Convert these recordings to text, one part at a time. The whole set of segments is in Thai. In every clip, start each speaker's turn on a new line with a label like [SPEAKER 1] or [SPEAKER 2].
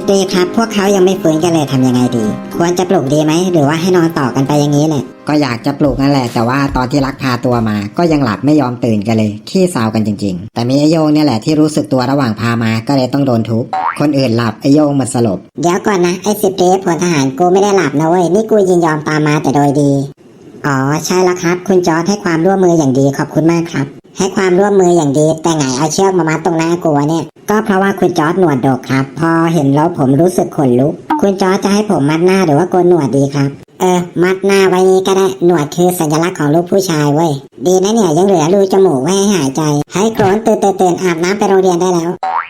[SPEAKER 1] 10 ตรีครับพวกเขายังไม่ฟื้นกันเลยทำยังไงดีควรจะปลุกดีไหมหรือว่าให้นอนต่อกันไปอย่างนี้แหละ
[SPEAKER 2] ก็อยากจะปลุกนั่นแหละแต่ว่าตอนที่ลักพาตัวมาก็ยังหลับไม่ยอมตื่นกันเลยขี้เศร้ากันจริงๆแต่มีไอโยงเนี่ยแหละที่รู้สึกตัวระหว่างพามาก็เลยต้องโดนทุบคนอื่นหลับไอโยงหมดสลบ
[SPEAKER 1] เดี๋ยวก่อนนะไอ้10 ตรีพลทหารกูไม่ได้หลับนะเว้ยนี่กูยินยอมตามมาแต่โดยดีอ๋อใช่แล้วครับคุณจอร์จให้ความร่วมมืออย่างดีขอบคุณมากครับให้ความร่วมมืออย่างดีแต่ไงเอาเชือกมามัดตรงหน้ากูเนี่ยก็เพราะว่าคุณจอร์จหนวดดกครับพอเห็นแล้วผมรู้สึกขนลุกคุณจอร์จจะให้ผมมัดหน้าหรือว่าโกนหนวดดีครับมัดหน้าไว้นี้ก็ได้หนวดคือสัญลักษณ์ของลูกผู้ชายเว้ยดีนะเนี่ยยังเหลือรูจมูกไว้ให้หายใจให้โกรนตื่นอาบน้ำไปโรงเรียนได้แล้ว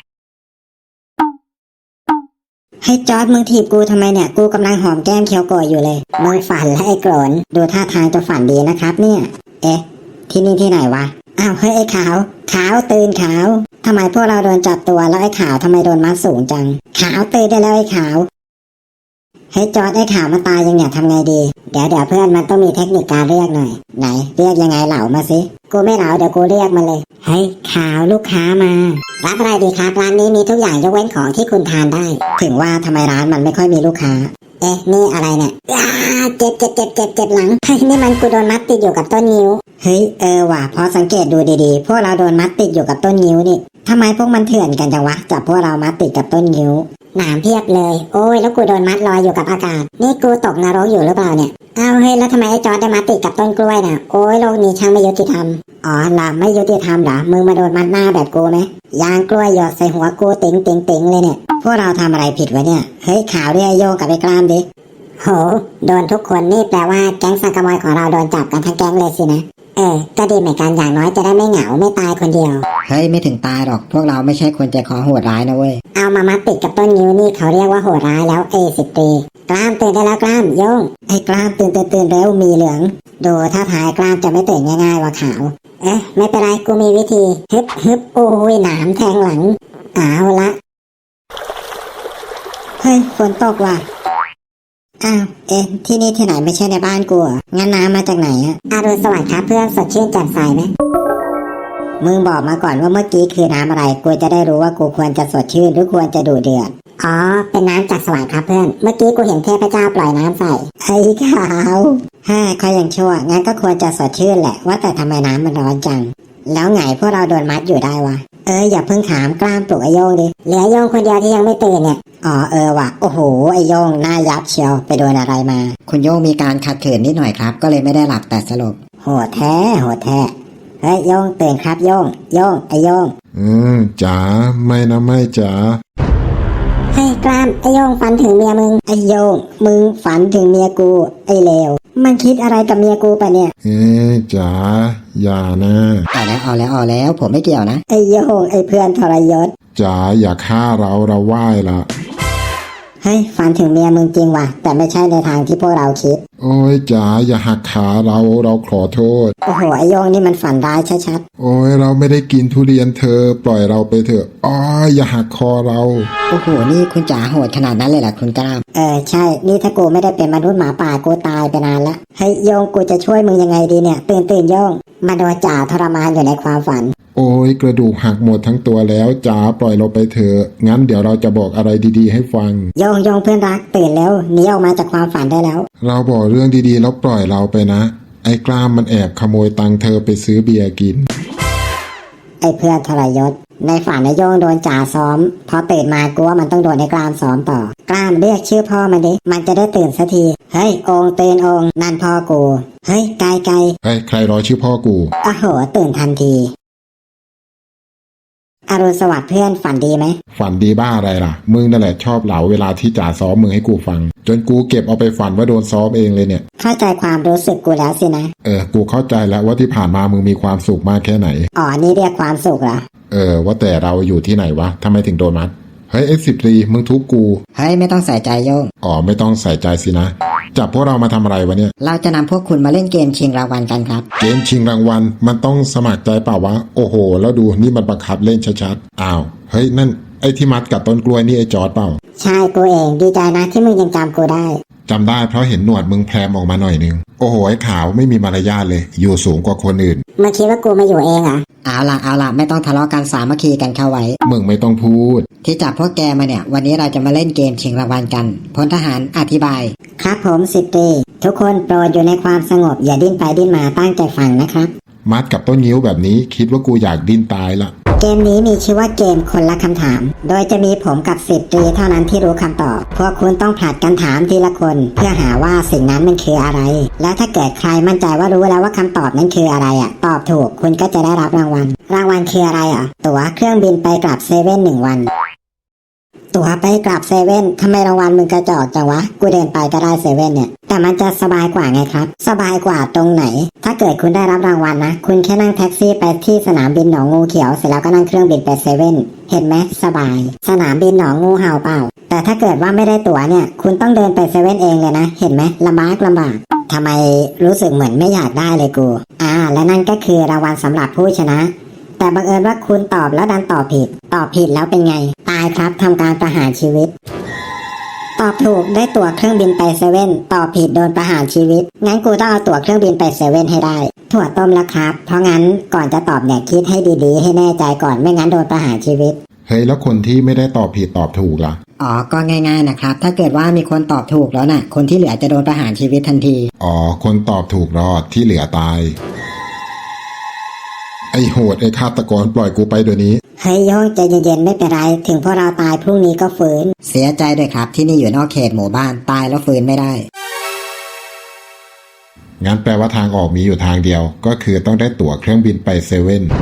[SPEAKER 1] ให้จอร์จมึงถีบกูทำไมเนี่ยกูกำลังหอมแก้มเคียวโกะอยู่เลยมึงฝันและไอ้โกรนดูท่าทางจะฝันดีนะครับเนี่ยที่นี่ที่ไหนวะอ้าวเฮ้ยไอ้ขาวตื่นขาวทำไมพวกเราโดนจับตัวแล้วไอ้ขาวทำไมโดนมัดสูงจังขาวตื่นได้แล้วไอ้ขาวให้จอร์จไอ้ขาวมาตายยังเนี่ยทำไงดีเดี๋ยวเพื่อนมันต้องมีเทคนิคการเรียกหน่อยไหนเรียกยังไงเหล่ามาสิกูไม่เหล่าเดี๋ยวกูเรียกมาเลยเฮ้ยขาวลูกค้ามารับอะไรดีครับร้านนี้มีทุกอย่างยกเว้นของที่คุณทานได้ถึงว่าทำไมร้านมันไม่ค่อยมีลูกค้านี่อะไรเนี่ยเจ็บหลังเฮ้ยนี่มันกูโดนมัดติดอยู่กับต้นนิ้วเฮ้ยว่ะพอสังเกตดูดีๆพวกเราโดนมัดติดอยู่กับต้นนิ้วนี่ทำไมพวกมันเถื่อนกันจังวะจับพวกเรามัดติดกับต้นนิ้วหนามเพียบเลยโอ้ยแล้วกูโดนมัดลอยอยู่กับอากาศนี่กูตกนรกอยู่หรือเปล่าเนี่ยเอาเฮ้ยแล้วทำไมไอ้จอร์จได้มัดติดกับต้นกล้วยน่ะโอ้ยโลกนี้ช่างไม่ยุติธรรมอ๋อล่ะไม่ยุติธรรมเหรอมึงมาโดนมัดหน้าแบบกูไหมยางกล้วยหยดใส่หัวกูติ๋งเลยเนี่ยพวกเราทำอะไรผิดวะเนี่ยเฮ้ยข่าวด้วยไอ้โยงกับไอ้กล้ามดิโหโดนทุกคนนี่แปลว่าแก๊งสังกะมอยของเราโดนจับกันทั้งแก๊งเลยสินะก็ดีเหมือนกันอย่างน้อยจะได้ไม่เหงาไม่ตายคนเดียว
[SPEAKER 2] เฮ้ยไม่ถึงตายหรอกพวกเราไม่ใช่คนใจคอโหดร้ายนะเว้ย
[SPEAKER 1] เอามามัดติดกับต้นนิ้วนี่เขาเรียกว่าโหดร้ายแล้ว10 ตรีกล้ามตื่นได้แล้วกล้ามโยงไอ้กล้ามตื่นเร็วมีเหลืองดูถ้าทายกล้ามจะไม่ตื่นง่ายๆว่าขาวไม่เป็นไรกูมีวิธีฮึบโอ้ยหนามแทงหลังเอาละเฮ้ยฝนตกว่ะอ้าวที่นี่ที่ไหนไม่ใช่ในบ้านกูอ่ะงั้นน้ำมาจากไหนอ่ะอรุณสวัสดิ์ครับเพื่อนสดชื่นแจ่มใสไหมมึงบอกมาก่อนว่าเมื่อกี้คือน้ำอะไรกูจะได้รู้ว่ากูควรจะสดชื่นหรือควรจะดุเดือดอ๋อเป็นน้ำจากสวรรค์ครับเพื่อนเมื่อกี้กูเห็นเทพเจ้าปล่อยน้ำใส่ไอ้ขาวเขายังชั่วงั้นก็ควรจะสดชื่นแหละว่าแต่ทำไมน้ำมันร้อนจังแล้วไงพวกเราโดนมัดอยู่ได้วะอย่าเพิ่งถามกล้ามปลุกไอโยงดิเหลือโยงคนเดียวที่ยังไม่ตื่นเนี่ยอ๋อว่ะโอ้โหไอโยงหน้ายับเชียวไปโดนอะไรมา
[SPEAKER 2] คุณโยงมีการขัดขืนนิดหน่อยครับก็เลยไม่ได้หลับแต่สลบ
[SPEAKER 1] โหดแท้เฮ้ยโยงตื่นครับโยงไอโยง
[SPEAKER 3] จ๋าไม่นะไม่จ๋า
[SPEAKER 1] ให้กล้ามไอโยงฝันถึงเมียมึงไอโยงมึงฝันถึงเมียกูไอเลวมันคิดอะไรกับเมียกูปะเนี่ย
[SPEAKER 3] จ๋าอย่านะ
[SPEAKER 2] เอาแล้วผมไม่เกี่ยวนะ
[SPEAKER 1] ไอโยงไอเพื่อนทรยศ
[SPEAKER 3] จ๋าอย่าฆ่าเราไหว้ละ
[SPEAKER 1] เฮ้ยฝันถึงเมียมึงจริงว่ะแต่ไม่ใช่ในทางที่พวกเราคิด
[SPEAKER 3] โอ้ยจ๋าอย่าหักขาเราขอโทษ
[SPEAKER 1] โอ้โหไอโยงนี่มันฝันร้ายชัด
[SPEAKER 3] ๆโอ้ยเราไม่ได้กินทุเรียนเธอปล่อยเราไปเถอะอ๋ออย่าหักคอเรา
[SPEAKER 2] โอ้โหนี่คุณจ๋าโหดขนาดนั้นเลยเหรอคุณกล้าม
[SPEAKER 1] ใช่นี่ถ้ากูไม่ได้เป็นมนุษย์หมาป่ากูตายไปนานละเฮ้ยโยงกูจะช่วยมึงยังไงดีเนี่ยตื่นโยงมาโดนจ่าทรมานอยู่ในความฝัน
[SPEAKER 3] โอ้ยกระดูกหักหมดทั้งตัวแล้วจ๋าปล่อยเราไปเถอะงั้นเดี๋ยวเราจะบอกอะไรดีๆให้ฟัง
[SPEAKER 1] โยงเพื่อนรักตื่นแล้วหนีออกมาจากความฝันได้แล้ว
[SPEAKER 3] เราบอกเรื่องดีๆแล้วปล่อยเราไปนะไอ้กล้ามมันแอบขโมยตังค์เธอไปซื้อเบียร์กิน
[SPEAKER 1] ไอ้เพื่อนทรยศในฝันไอ้โยงโดนจ่าซ้อมพอตื่นมากูว่ามันต้องโดนไอ้กล้ามซ้อมต่อกล้ามเรียกชื่อพ่อมันดิมันจะได้ตื่นสักทีเฮ้ยองตื่นองนั่นพ่อกูเฮ้ยไกล
[SPEAKER 3] เฮ้ยใครรอชื่อพ่อกู
[SPEAKER 1] โอ้โหตื่นทันทีอรุณสวัสดิ์เพื่อนฝันดีไหม
[SPEAKER 3] ฝันดีบ้าอะไรล่ะมึงนั่นแหละชอบเหลาเวลาที่จ่าซ้อมมึงให้กูฟังจนกูเก็บเอาไปฝันว่าโดนซ้อมเองเลยเนี่ย
[SPEAKER 1] เข้าใจความรู้สึกกูแล้วสินะ
[SPEAKER 3] กูเข้าใจแล้วว่าที่ผ่านมามึงมีความสุขมากแค่ไหน
[SPEAKER 1] อ๋อนี่เรียกความสุขเหรอ
[SPEAKER 3] ว่าแต่เราอยู่ที่ไหนวะทำไมถึงโดนมัดเฮ้ย10 ตรีมึงทุบกู
[SPEAKER 2] เฮ้ยไม่ต้องใส่ใจโยง
[SPEAKER 3] อ๋อไม่ต้องใส่ใจสินะจับพวกเรามาทำอะไรวะเนี่ย
[SPEAKER 2] เราจะนำพวกคุณมาเล่นเกมชิงรางวัลกันครับ
[SPEAKER 3] เกมชิงรางวัลมันต้องสมัครใจเปล่าวะโอ้โหแล้วดูนี่มันบังคับเล่นชัดๆอ้าวเฮ้ยนั่นไอ้ที่มัดกับต้นกล้วยนี่ไอ้จอร์จเปล่า
[SPEAKER 1] ใช่กูเองดีใจนะที่มึงยังจำกูได้
[SPEAKER 3] จำได้เพราะเห็นหนวดมึงแพรมออกมาหน่อยนึงโอ้โหไอ้ขาวไม่มีมารยาทเลยอยู่สูงกว่าคนอื่น
[SPEAKER 1] มาคิดว่ากูมาอยู่เองเหรอ
[SPEAKER 2] เอาละไม่ต้องทะเลาะกันสามัคคีกันเข้าไว้
[SPEAKER 3] มึงไม่ต้องพูด
[SPEAKER 2] ที่จับพวกแกมาเนี่ยวันนี้เราจะมาเล่นเกมชิงรางวัลกันพลทหารอธิบาย
[SPEAKER 1] ครับผมสิบตรีทุกคนโปรดอยู่ในความสงบอย่าดิ้นไปดิ้นมาตั้งใจฟังนะครับ
[SPEAKER 3] มัดกับต้นนิ้วแบบนี้คิดว่ากูอยากดิ้นตายละ
[SPEAKER 1] เกมนี้มีชื่อว่าเกมคนละคำถาม โดยจะมีผมกับสิบตรีเท่านั้นที่รู้คำตอบพวกคุณต้องผลัดกันถามทีละคน เพื่อหาว่าสิ่งนั้นมันคืออะไร แล้วถ้าเกิดใครมั่นใจว่ารู้แล้วว่าคำตอบนั้นคืออะไรตอบถูกคุณก็จะได้รับรางวัลคืออะไรตั๋วเครื่องบินไปกลับเซเว่น1 วันตั๋วไปกลับเซเว่นทำไมรางวัลมึงกระจอกจังวะกูเดินไปก็ได้เซเว่นเนี่ยแต่มันจะสบายกว่าไงครับสบายกว่าตรงไหนถ้าเกิดคุณได้รับรางวัลนะคุณแค่นั่งแท็กซี่ไปที่สนามบินหนองงูเขียวเสร็จแล้วก็นั่งเครื่องบินไปเซเว่นเห็นไหมสบายสนามบินหนองงูเห่าเปล่าแต่ถ้าเกิดว่าไม่ได้ตั๋วเนี่ยคุณต้องเดินไปเซเว่นเองเลยนะเห็นไหมลำบากทำไมรู้สึกเหมือนไม่อยากได้เลยกูและนั่นก็คือรางวัลสำหรับผู้ชนะแต่บังเอิญว่าคุณตอบแล้วดันตอบผิดแล้วเป็นไงตายครับทำการประหารชีวิตตอบถูกได้ตั๋วเครื่องบินไปเซเว่นตอบผิดโดนประหารชีวิตงั้นกูต้องเอาตั๋วเครื่องบินไปเซเว่นให้ได้ถั่วต้มแล้วครับเพราะงั้นก่อนจะตอบเนี่ยคิดให้ดีๆให้แน่ใจก่อนไม่งั้นโดนประหารชีวิต
[SPEAKER 3] เฮ้ยแล้วคนที่ไม่ได้ตอบผิดตอบถูกล่ะ
[SPEAKER 2] ก็ง่ายๆนะครับถ้าเกิดว่ามีคนตอบถูกแล้วน่ะคนที่เหลือจะโดนประหารชีวิตทันที
[SPEAKER 3] คนตอบถูกรอดที่เหลือตายไอ้โหดไอ้ฆาตกรปล่อยกูไปเดี๋ยวนี้
[SPEAKER 1] เฮ้ยโยงใจเย็นๆไม่เป็นไรถึงพวกเราตายพรุ่งนี้ก็ฟื้น
[SPEAKER 2] เสียใจด้วยครับที่นี่อยู่นอกเขตหมู่บ้านตายแล้วฟื้นไม่ได้
[SPEAKER 3] งั้นแปลว่าทางออกมีอยู่ทางเดียว ก็คือต้องได้ตั๋วเครื่องบินไปเซเว่น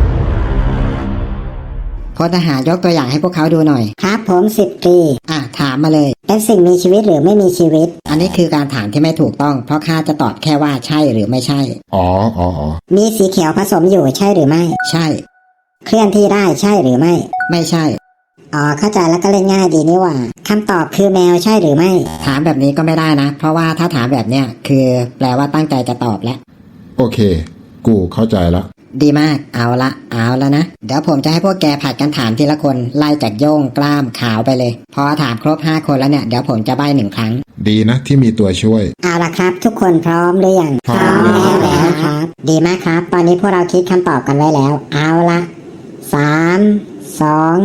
[SPEAKER 2] พลทหารยกตัวอย่างให้พวกเขาดูหน่อย
[SPEAKER 1] ครับผมสิบตรี
[SPEAKER 2] ถามมาเลย
[SPEAKER 1] เป็นสิ่งมีชีวิตหรือไม่มีชีวิต
[SPEAKER 2] อันนี้คือการถามที่ไม่ถูกต้องเพราะข้าจะตอบแค่ว่าใช่หรือไม่ใช่
[SPEAKER 1] มีสีเขียวผสมอยู่ใช่หรือไม่
[SPEAKER 2] ใช่
[SPEAKER 1] เคลื่อนที่ได้ใช่หรือไม่
[SPEAKER 2] ไม่ใช่
[SPEAKER 1] เข้าใจแล้วก็เล่นง่ายดีนี่หว่าคำตอบคือแมวใช่หรือไม่
[SPEAKER 2] ถามแบบนี้ก็ไม่ได้นะเพราะว่าถ้าถามแบบเนี้ยคือแปลว่าตั้งใจจะตอบแล้ว
[SPEAKER 3] โอเค กูเข้าใจแล้ว
[SPEAKER 2] ดีมากเอาละนะเดี๋ยวผมจะให้พวกแกผัดกันถามทีละคนไล่จากโย่งกล้ามขาวไปเลยพอถามครบ5คนแล้วเนี่ยเดี๋ยวผมจะใบ้1 ครั้ง
[SPEAKER 3] ดีนะที่มีตัวช่วย
[SPEAKER 1] เอาละครับทุกคนพร้อมหรือยัง
[SPEAKER 3] พร้อม
[SPEAKER 1] แล้วครับดีมากครับตอนนี้พวกเราคิดคำตอบกันไว้แล้วเอาละ3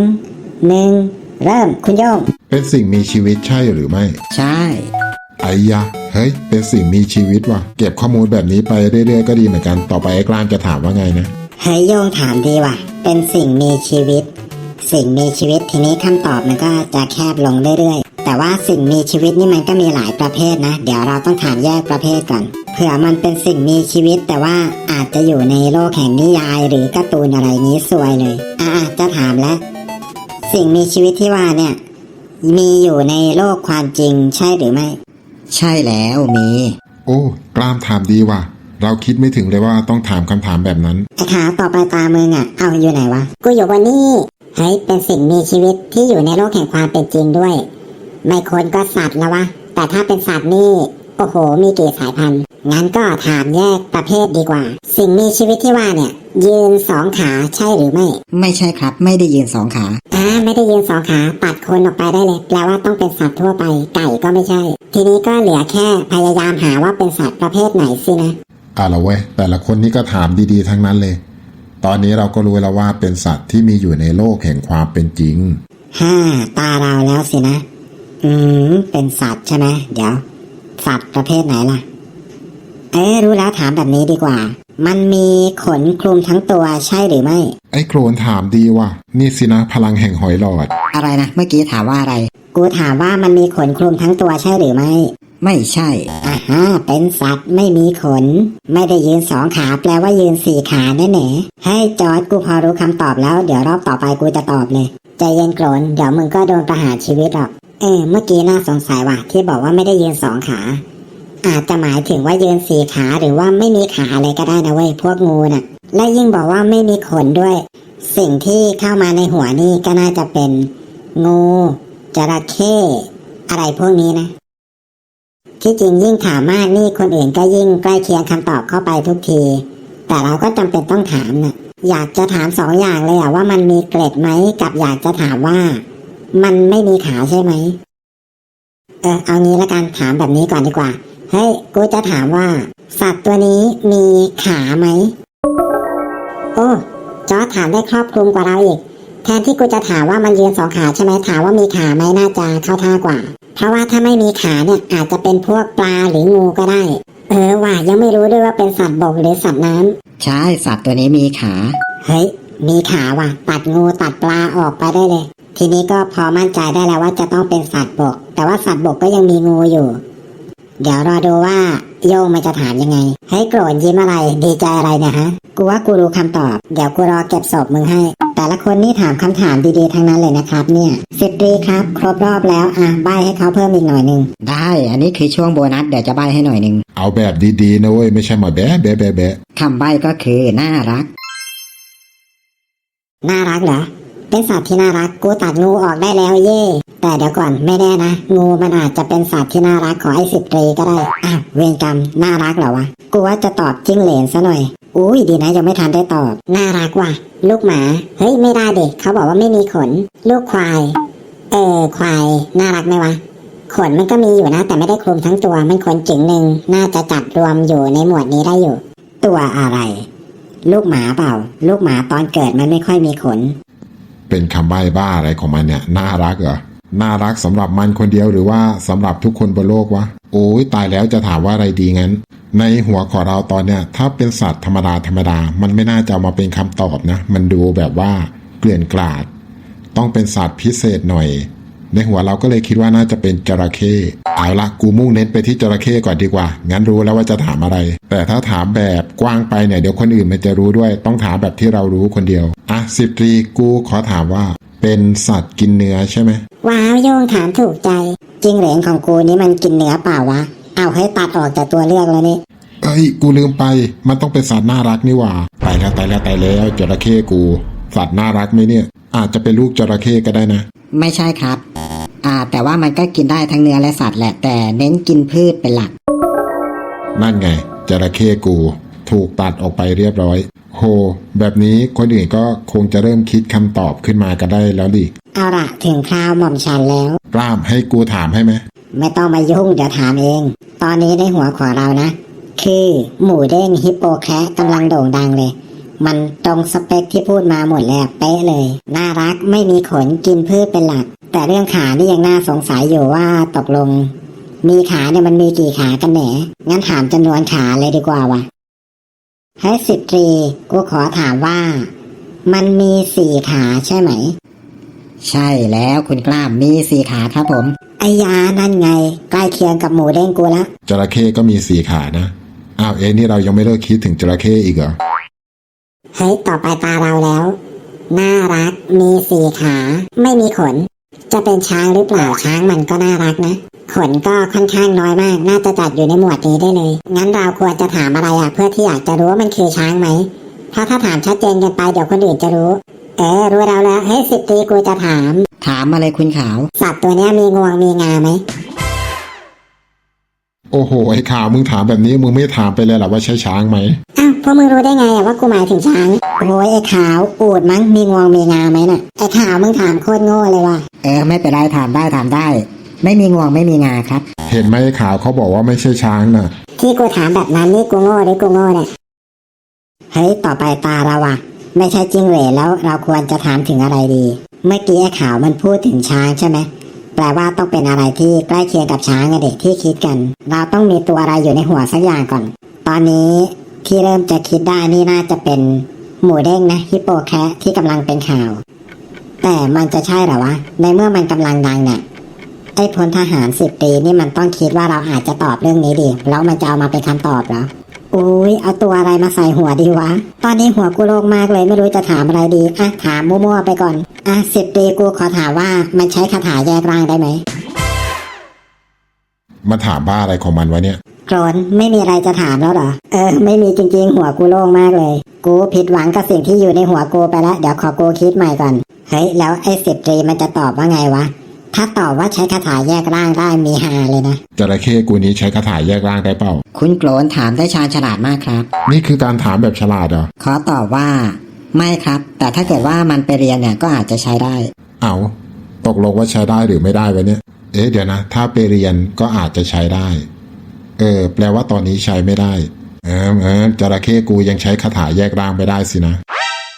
[SPEAKER 1] 2 1เริ่มคุณโย่ง
[SPEAKER 3] เป็นสิ่งมีชีวิตใช่หรือไม่
[SPEAKER 2] ใช่
[SPEAKER 3] ไอ้ยะเฮ้ยเป็นสิ่งมีชีวิตว่ะเก็บข้อมูลแบบนี้ไปเรื่อยๆก็ดีเหมือนกันต่อไปไอ้กล้ามจะถามว่าไงนะ
[SPEAKER 1] เฮ้ยโย่งถามดีว่ะเป็นสิ่งมีชีวิต สิ่งมีชีวิตทีนี้คำตอบมันก็จะแคบลงเรื่อยๆแต่ว่าสิ่งมีชีวิตนี่มันก็มีหลายประเภทนะเดี๋ยวเราต้องถามแยกประเภทก่อนเผื่อมันเป็นสิ่งมีชีวิตแต่ว่าอาจจะอยู่ในโลกแห่งนิยายหรือการ์ตูนอะไรนี้ซวยเลยจะถามแล้วสิ่งมีชีวิตที่ว่าเนี่ยมีอยู่ในโลกความจริงใช่หรือไม่
[SPEAKER 2] ใช่แล้วมี
[SPEAKER 3] โอ้กล้ามถามดีว่ะเราคิดไม่ถึงเลยว่าต้องถามคำถามแบบนั้น
[SPEAKER 1] ไอ้ขาต่อไปตามึงเอาอยู่ไหนวะกูอยู่บนนี่เฮ้ยเป็นสิ่งมีชีวิตที่อยู่ในโลกแห่งความเป็นจริงด้วยไม่คนก็สัตว์แล้ววะแต่ถ้าเป็นสัตว์นี่โอ้โหมีกี่สายพันธุ์งั้นก็ถามแยกประเภทดีกว่าสิ่งมีชีวิตที่ว่าเนี่ยยืน2 ขาใช่หรือไม่
[SPEAKER 2] ไม่ใช่ครับไม่ได้ยืน2 ขา
[SPEAKER 1] ไม่ได้ยืน2 ขาตัดคนออกไปได้เลยแปลว่าต้องเป็นสัตว์ทั่วไปไก่ก็ไม่ใช่ทีนี้ก็เหลือแค่พยายามหาว่าเป็นสัตว์ประเภทไหนสินะ
[SPEAKER 3] ละเว้ยแต่ละคนนี่ก็ถามดีๆทั้งนั้นเลยตอนนี้เราก็รู้แล้วว่าเป็นสัตว์ที่มีอยู่ในโลกแห่งความเป็นจริง
[SPEAKER 1] ตาเราแล้วสินะเป็นสัตว์ใช่ไหมเดี๋ยวสัตว์ประเภทไหนล่ะรู้แล้วถามแบบนี้ดีกว่ามันมีขนคลุมทั้งตัวใช่หรือไม่
[SPEAKER 3] ไอ้โครนถามดีว่ะนี่สินะพลังแห่งหอยหลอด
[SPEAKER 2] อะไรนะเมื่อกี้ถามว่าอะไร
[SPEAKER 1] กูถามว่ามันมีขนคลุมทั้งตัวใช่หรือไม่
[SPEAKER 2] ไม่ใช่
[SPEAKER 1] เป็นสัตว์ไม่มีขนไม่ได้ยืน2 ขาแปลว่ายืน4 ขาแน่ๆให้จอร์จกูพอรู้คำตอบแล้วเดี๋ยวรอบต่อไปกูจะตอบเลยใจเย็นโกรนเดี๋ยวมึงก็โดนประหารชีวิตหรอกเมื่อกี้น่าสงสัยว่ะที่บอกว่าไม่ได้ยืน2 ขาอาจจะหมายถึงว่ายืน4 ขาหรือว่าไม่มีขาอะไรก็ได้นะเว้ยพวกงูน่ะและยิ่งบอกว่าไม่มีขนด้วยสิ่งที่เข้ามาในหัวนี่ก็น่าจะเป็นงูจระเข้อะไรพวกนี้นะที่จริงยิ่งถามมากนี่คนอื่นก็ยิ่งใกล้เคียงคำตอบเข้าไปทุกทีแต่เราก็จำเป็นต้องถามนะอยากจะถาม2 อย่างเลยว่ามันมีเกล็ดไหมกับอยากจะถามว่ามันไม่มีขาใช่ไหมเอางี้ละกันถามแบบนี้ก่อนดีกว่าเฮ้ยกูจะถามว่าสัตว์ตัวนี้มีขาไหมโอ้จอร์จถามได้ครอบคลุมกว่าเราอีกแทนที่กูจะถามว่ามันยืนสองขาใช่ไหมถามว่ามีขาไหมน่าจะเข้าท่ากว่าเพราะว่าถ้าไม่มีขาเนี่ยอาจจะเป็นพวกปลาหรืองูก็ได้ว่ะยังไม่รู้ด้วยว่าเป็นสัตว์บกหรือสัตว์น้ำ
[SPEAKER 2] ใช่สัตว์ตัวนี้มีขา
[SPEAKER 1] เฮ้ยมีขาว่ะตัดงูตัดปลาออกไปได้เลยทีนี้ก็พอมั่นใจได้แล้วว่าจะต้องเป็นสัตว์บกแต่ว่าสัตว์บกก็ยังมีงูอยู่เดี๋ยวรอดูว่าโยงมันจะถามยังไงให้โกรธยิ้มอะไรดีใจอะไรเนี่ยฮะกูว่ากูรู้คำตอบเดี๋ยวกูรอเก็บศพมึงให้แต่ละคนนี่ถามคำถามดีๆทั้งนั้นเลยนะครับเนี่ยสิบตรีครับครบรอบแล้วใบให้เขาเพิ่มอีกหน่อยนึง
[SPEAKER 2] ได้อันนี้คือช่วงโบนัสเดี๋ยวจะใบให้หน่อยนึง
[SPEAKER 3] เอาแบบดีๆนะเว้ยไม่ใช่มาแบะแบะแบะแบะ
[SPEAKER 2] คำใบก็คือน่ารัก
[SPEAKER 1] น่ารักเหรอเป็นสัตว์ที่น่ารักกูตัดงูออกได้แล้วเย่แต่เดี๋ยวก่อนไม่แน่นะงูมันอาจจะเป็นสัตว์ที่น่ารักของไอ้สิบตรีก็ได้เวรกรรมน่ารักเหรอวะกูว่าจะตอบจิ้งเหลนซะหน่อยอุ้ยดีนะยังไม่ทันได้ตอบน่ารักว่ะลูกหมาเฮ้ยไม่ได้เด็กเขาบอกว่าไม่มีขนลูกควายควายน่ารักไหมวะขนมันก็มีอยู่นะแต่ไม่ได้คลุมทั้งตัวมันขนจึงหนึ่งน่าจะจัดรวมอยู่ในหมวดนี้ได้อยู่ตัวอะไรลูกหมาเปล่าลูกหมาตอนเกิดมันไม่ค่อยมีขน
[SPEAKER 3] เป็นคำใบ้บ้าอะไรของมันเนี่ยน่ารักเหรอน่ารักสำหรับมันคนเดียวหรือว่าสำหรับทุกคนบนโลกวะโอ้ยตายแล้วจะถามว่าอะไรดีงั้นในหัวของเราตอนเนี้ยถ้าเป็นสัตว์ธรรมดามันไม่น่าจะเอามาเป็นคำตอบนะมันดูแบบว่าเกลื่อนกลาดต้องเป็นสัตว์พิเศษหน่อยในหัวเราก็เลยคิดว่าน่าจะเป็นจระเข้เอาละกูมุ่งเน้นไปที่จระเข้ก่อนดีกว่างั้นรู้แล้วว่าจะถามอะไรแต่ถ้าถามแบบกว้างไปเนี่ยเดี๋ยวคนอื่นมันจะรู้ด้วยต้องถามแบบที่เรารู้คนเดียวสิบตรีกูขอถามว่าเป็นสัตว์กินเนื้อใช่ไหม
[SPEAKER 1] ว้าวโยงถามถูกใจจิ้งเหลนของกูนี่มันกินเนื้อเปล่าวะเอาให้ตัดออกจากตัวเลือกแล้วนี่
[SPEAKER 3] กูลืมไปมันต้องเป็นสัตว์น่ารักนี่หว่าตายแล้วจระเข้กูสัตว์น่ารักไหมเนี่ยอาจจะเป็นลูกจระเข้ก็ได้นะ
[SPEAKER 2] ไม่ใช่ครับแต่ว่ามันก็กินได้ทั้งเนื้อและสัตว์แหละแต่เน้นกินพืชเป็นหลัก
[SPEAKER 3] นั่นไงจระเข้กูถูกตัดออกไปเรียบร้อยโหแบบนี้คนอื่นก็คงจะเริ่มคิดคำตอบขึ้นมากันได้แล้วดิ
[SPEAKER 1] เอาล่ะถึงคราวหม่อมฉันแล้ว
[SPEAKER 3] กล้ามให้กูถามให้ไหม
[SPEAKER 1] ไม่ต้องมายุ่งเดี๋ยวถามเองตอนนี้ในหัวของเรานะคือหมูเด้งฮิปโปแคะกำลังโด่งดังเลยมันตรงสเปคที่พูดมาหมดแล้วเป๊ะเลยน่ารักไม่มีขนกินพืชเป็นหลักแต่เรื่องขานี่ยังน่าสงสัยอยู่ว่าตกลงมีขาเนี่ยมันมีกี่ขากันแหนงั้นถามจำนวนขาเลยดีกว่าวะให้สิบตรีกูขอถามว่ามันมี4 ขาใช่ไหม
[SPEAKER 2] ใช่แล้วคุณกล้ามมี4 ขาครับผม
[SPEAKER 1] ไอ้ยานั่นไงใกล้เคียงกับหมูเด้งกูละ
[SPEAKER 3] จระเข้ก็มี4 ขานะนี่เรายังไม่เลิกคิดถึงจระเข้อีกเหรอ
[SPEAKER 1] เฮ้ยต่อไปตาเราแล้วน่ารักมี4 ขาไม่มีขนจะเป็นช้างหรือเปล่าช้างมันก็น่ารักนะขนก็ค่อนข้างน้อยมากน่าจะจัดอยู่ในหมวดนี้ได้เลยงั้นเราควรจะถามอะไรเพื่อที่อยากจะรู้ว่ามันคือช้างไหมเพราะถ้าถามชัดเจนกันไปเดี๋ยวคนอื่นจะรู้รู้เราแล้วให้สิบตรีกูจะถาม
[SPEAKER 2] อะไรคุณขาว
[SPEAKER 1] สัตว์ตัวนี้มีงวงมีงาไหม
[SPEAKER 3] โอ้โหไอ้ขาวมึงถามแบบนี้มึงไม่ถามไปเลยหรอว่าใช่ช้างไหม
[SPEAKER 1] พวกมึงรู้ได้ไงว่ากูหมายถึงช้างโอ้ยไอ้ขาวอูดมั้งมีงวงมีงาไหมน่ะไอ้ขาวมึงถามโคตรโง่เลยว่ะ
[SPEAKER 2] ไม่เป็นไรถามได้ไม่มีงวงไม่มีงาครับ
[SPEAKER 3] เห็นไหมไอ้ขาวเขาบอกว่าไม่ใช่ช้างน่ะ
[SPEAKER 1] ที่กูถามแบบนั้นนี่กูโง่หรือกูโง่เนี่ยเฮ้ยต่อไปตาเราอะไม่ใช่จิ้งเหลนแล้วเราควรจะถามถึงอะไรดีเมื่อกี้ไอ้ขาวมันพูดถึงช้างใช่ไหมแปลว่าต้องเป็นอะไรที่ใกล้เคียงกับช้างเด็กที่คิดกันเราต้องมีตัวอะไรอยู่ในหัวสักอย่างก่อนตอนนี้ที่เริ่มจะคิดได้นี่น่าจะเป็นหมูเด้งนะฮิปโปแคะที่กำลังเป็นข่าวแต่มันจะใช่หรอวะในเมื่อมันกำลังดังเนี่ยไอ้พลทหาร10 ปีนี่มันต้องคิดว่าเราอาจจะตอบเรื่องนี้ดีแล้วมันจะเอามาเป็นคำตอบเหรออุ้ยเอาตัวอะไรมาใส่หัวดีวะตอนนี้หัวกูโล่งมากเลยไม่รู้จะถามอะไรดีถามมั่วๆไปก่อน10 ปีกูขอถามว่ามันใช้คาถาแยกร่างได้ไหม
[SPEAKER 3] มาถามบ้าอะไรของมันวะเนี่ย
[SPEAKER 1] โกรนไม่มีอะไรจะถามแล้วเหรอไม่มีจริงๆหัวกูโล่งมากเลยกูผิดหวังกับสิ่งที่อยู่ในหัวกูไปแล้วเดี๋ยวขอกูคิดใหม่ก่อนเฮ้ยแล้วไอ้10 ตรีมันจะตอบว่าไงวะถ้าตอบว่าใช้คาถาแยกร่างได้มีฮาเลยนะ
[SPEAKER 3] จระเข้กูนี้ใช้คาถาแยกร่างได้เปล่า
[SPEAKER 2] คุณโกรนถามได้ชาญฉลาดมากครับ
[SPEAKER 3] นี่คือการถามแบบฉลาดเหรอ
[SPEAKER 2] ขอตอบว่าไม่ครับแต่ถ้าเกิดว่ามันไปเรียนเนี่ยก็อาจจะใช้ได้
[SPEAKER 3] ตกลงว่าใช้ได้หรือไม่ได้วะเนี่ยเดี๋ยวนะถ้าไปเรียนก็อาจจะใช้ได้แปลว่าตอนนี้ใช้ไม่ได้จระเข้กูยังใช้คาถาแยกร่างไม่ได้สินะ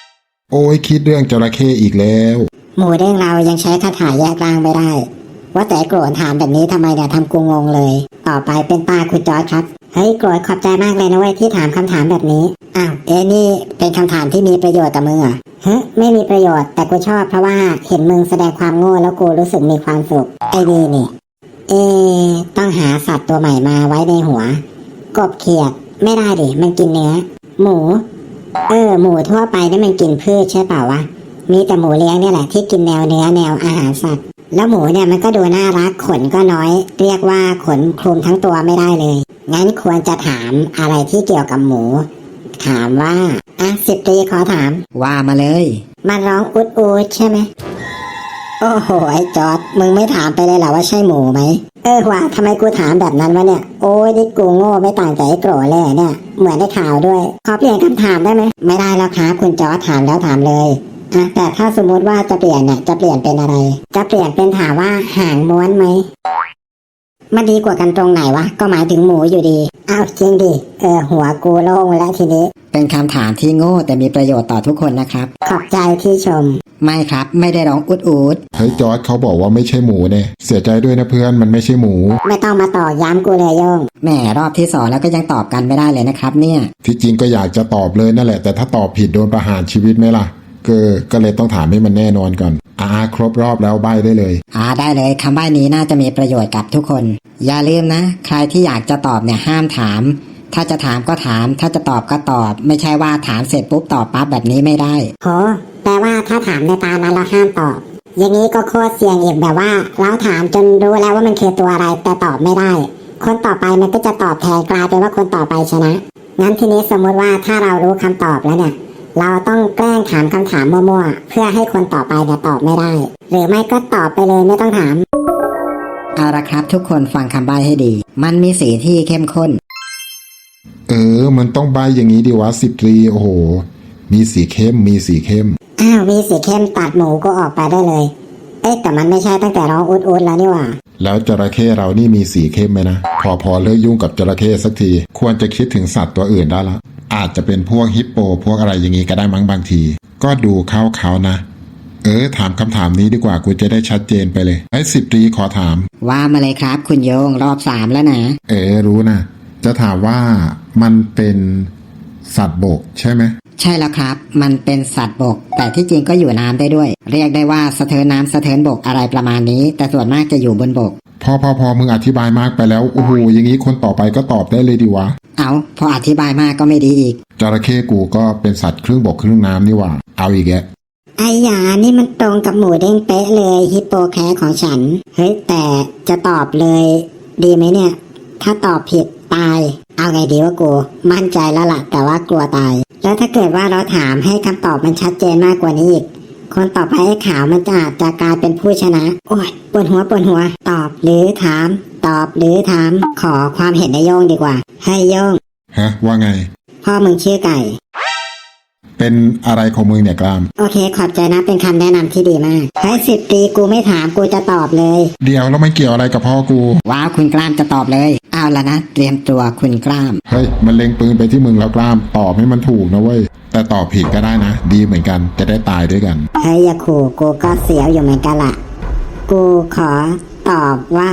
[SPEAKER 3] โอ้ยคิดเรื่องจระเข้อีกแล้ว
[SPEAKER 1] หมูเด้งเรายังใช้คาถาแยกร่างไม่ได้ ว่าแต่โกรธถามแบบนี้ทำไมเนี่ยทำกูงงเลย ต่อไปเป็นตาคุณจอร์จครับเฮ้ยโกรธขอบใจมากเลยนะเว้ยที่ถามคำถามแบบนี้อ้าวนี่เป็นคำถามที่มีประโยชน์กับมึงเหรอไม่มีประโยชน์แต่กูชอบเพราะว่าเห็นมึงแสดงความโง่แล้วกูรู้สึกมีความสุขไอ้นี่ต้องหาสัตว์ตัวใหม่มาไว้ในหัวกบเขียดไม่ได้ดิมันกินเนื้อหมูหมูทั่วไปนี่มันกินพืชใช่เปล่าวะมีแต่หมูเลี้ยงเนี่ยแหละที่กินแนวเนื้อแนวอาหารสัตว์แล้วหมูเนี่ยมันก็ดูน่ารักขนก็น้อยเรียกว่าขนคลุมทั้งตัวไม่ได้เลยงั้นควรจะถามอะไรที่เกี่ยวกับหมูถามว่า10 ตรีขอถาม
[SPEAKER 2] ว่ามาเลย
[SPEAKER 1] มันร้องอุดอูดใช่ไหมโอ้โหไอ้จอร์ดมึงไม่ถามไปเลยเหรอว่าใช่หมูไหมว่าทำไมกูถามแบบนั้นวะเนี่ยโอ้ยนี่กูโง่ไม่ต่างจากไอ้โกรธเลยเนี่ยเหมือนได้ข่าวด้วยขอเปลี่ยนคำถามได้ไหมไม่ได้แล้วครับคุณจอร์ดถามแล้วถามเลยแต่ถ้าสมมติว่าจะเปลี่ยนเนี่ยจะเปลี่ยนเป็นอะไรจะเปลี่ยนเป็นถามว่าหางม้วนไหมมันดีกว่ากันตรงไหนวะก็หมายถึงหมูอยู่ดีอ้าวจริงดิหัวกูโล่งแล้วทีนี้
[SPEAKER 2] เป็นคำถามที่โง่แต่มีประโยชน์ต่อทุกคนนะครับ
[SPEAKER 1] ขอบใจที่ชม
[SPEAKER 2] ไม่ครับไม่ได้ร้องอุดอูด
[SPEAKER 3] เฮ้ยจอร์ดเขาบอกว่าไม่ใช่หมูเนี่ยเสียใจด้วยนะเพื่อนมันไม่ใช่หมู
[SPEAKER 1] ไม่ต้องมาต่อย้ำกูเลยโยง
[SPEAKER 2] แหมรอบที่2แล้วก็ยังตอบกันไม่ได้เลยนะครับเนี่ย
[SPEAKER 3] ที่จริงก็อยากจะตอบเลยนั่นแหละแต่ถ้าตอบผิดโดนประหารชีวิตไหมล่ะก็เลยต้องถามให้มันแน่นอนก่อนครบรอบแล้วใบ้ได้เลย
[SPEAKER 2] ได้เลยคำใบ้นี้น่าจะมีประโยชน์กับทุกคนอย่าลืมนะใครที่อยากจะตอบเนี่ยห้ามถามถ้าจะถามก็ถามถ้าจะตอบก็ตอบไม่ใช่ว่าถามเสร็จปุ๊บตอบปั๊บแบบนี้ไม่ได้
[SPEAKER 1] โหแปลว่าถ้าถามในตานั้นเราห้ามตอบอย่างนี้ก็โคตรเสี่ยงอีกแบบว่าเราถามจนรู้แล้วว่ามันคือตัวอะไรแต่ตอบไม่ได้คนต่อไปมันก็จะตอบแทนกลายเป็นว่าคนต่อไปชนะงั้นทีนี้สมมติว่าถ้าเรารู้คำตอบแล้วเนี่ยเราต้องแกล้งถามคำถามมั่วๆเพื่อให้คนต่อไปเนี่ยตอบไม่ได้หรือไม่ก็ตอบไปเลยไม่ต้องถาม
[SPEAKER 2] เอาละครับทุกคนฟังคำใบ้ให้ดีมันมีสีที่เข้มข้น
[SPEAKER 3] มันต้องใบอย่างนี้ดิวะ10 ตรีโอ้โหมีสีเข้มมีสีเข้ม
[SPEAKER 1] มีสีเข้มตัดหมูก็ออกไปได้เลยแต่มันไม่ใช่ตั้งแต่ร้องอุดๆแล้วนี่หว่า
[SPEAKER 3] แล้วจระเข้เรานี่มีสีเข้มไหมนะพอเลิกยุ่งกับจระเข้สักทีควรจะคิดถึงสัตว์ตัวอื่นได้ละอาจจะเป็นพวกฮิปโปพวกอะไรอย่างงี้ก็ได้มั้งบางทีก็ดูเขานะถามคำถามนี้ดีกว่ากูจะได้ชัดเจนไปเลย10 ตรีขอถาม
[SPEAKER 2] ว่ามาเลยครับคุณโยงรอบ3แล้วนะ
[SPEAKER 3] รู้นะจะถามว่ามันเป็นสัตว์บกใช่ไหม
[SPEAKER 2] ใช่แล้วครับมันเป็นสัตว์บกแต่ที่จริงก็อยู่น้ำได้ด้วยเรียกได้ว่าสะเทินน้ำสะเทินบกอะไรประมาณนี้แต่ส่วนมากจะอยู่บนบก
[SPEAKER 3] พอมึงอธิบายมากไปแล้วโอ้โหอย่างนี้คนต่อไปก็ตอบได้เลยดีวะ
[SPEAKER 2] พออธิบายมากก็ไม่ดีอีก
[SPEAKER 3] จระเข้กูก็เป็นสัตว์ครึ่งบกครึ่งน้ำนี่หว่าเอาอีกแก
[SPEAKER 1] ไอ้ยานี่มันตรงกับหมูเด้งเป๊ะเลยฮิปโปแคร์ของฉันเฮ้ยแต่จะตอบเลยดีไหมเนี่ยถ้าตอบผิดตายเอาไงดีวะกูมั่นใจแล้วล่ะแต่ว่ากลัวตายแล้วถ้าเกิดว่าเราถามให้คำตอบมันชัดเจนมากกว่านี้อีกคนต่อไปไอ้ขาวมันจะอาจจะกลายเป็นผู้ชนะโอ้ยปวดหัวตอบหรือถามขอความเห็นในโยงดีกว่าให้โยง
[SPEAKER 3] ว่าไง
[SPEAKER 1] พ่อมึงชื่อไก่
[SPEAKER 3] เป็นอะไรของมึงเนี่ยกล้าม
[SPEAKER 1] โอเคขอบใจนะเป็นคำแนะนำที่ดีมากให้10 ตรีกูไม่ถามกูจะตอบเลย
[SPEAKER 3] เดี๋ยวแล้วไม่เกี่ยวอะไรกับพ่อกู
[SPEAKER 2] ว้าวคุณกล้ามจะตอบเลยเอาละนะเตรียมตัวคุณกล้าม
[SPEAKER 3] เฮ้ยมันเล็งปืนไปที่มึงแล้วกล้ามตอบให้มันถูกนะเว้ยแต่ตอบผิดก็ได้นะดีเหมือนกันจะได้ตายด้วยกัน
[SPEAKER 1] เฮ้ยอย่าขู่กูก็เสียวอยู่เหมือนกันล่ะกูขอตอบว่า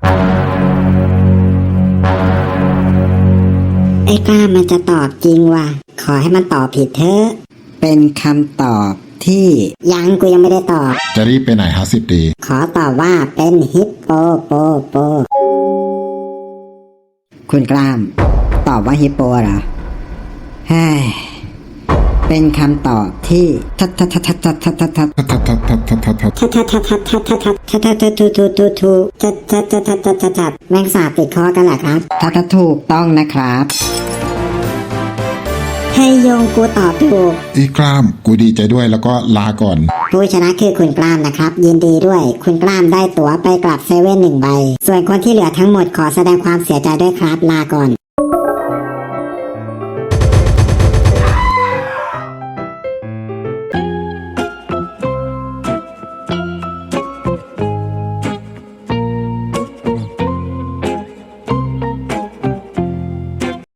[SPEAKER 1] ไอ้กล้ามันจะตอบจริงว่ะขอให้มันตอบผิดเถอะ
[SPEAKER 2] เป็นคำตอบที่
[SPEAKER 1] ยังกูยังไม่ได้ตอบ
[SPEAKER 3] จะรีบไปไหน10 ตรี
[SPEAKER 1] ขอตอบว่าเป็นฮิปโป
[SPEAKER 2] คุณกล้ามตอบว่าฮิปโปเหรอเป็นคำตอบที่
[SPEAKER 1] แมงสาบติดคอกันแหละครับ
[SPEAKER 2] ถูกต้องนะครับ
[SPEAKER 1] ให้โยงกูตอบถูก
[SPEAKER 3] อีกล้ามกูดีใจด้วยแล้วก็ลาก่อน
[SPEAKER 1] ผู้ชนะคือคุณกล้ามนะครับยินดีด้วยคุณกล้ามได้ตั๋วไปกลับเซเว่น1 ใบส่วนคนที่เหลือทั้งหมดขอแสดงความเสียใจด้วยครับลาก่อน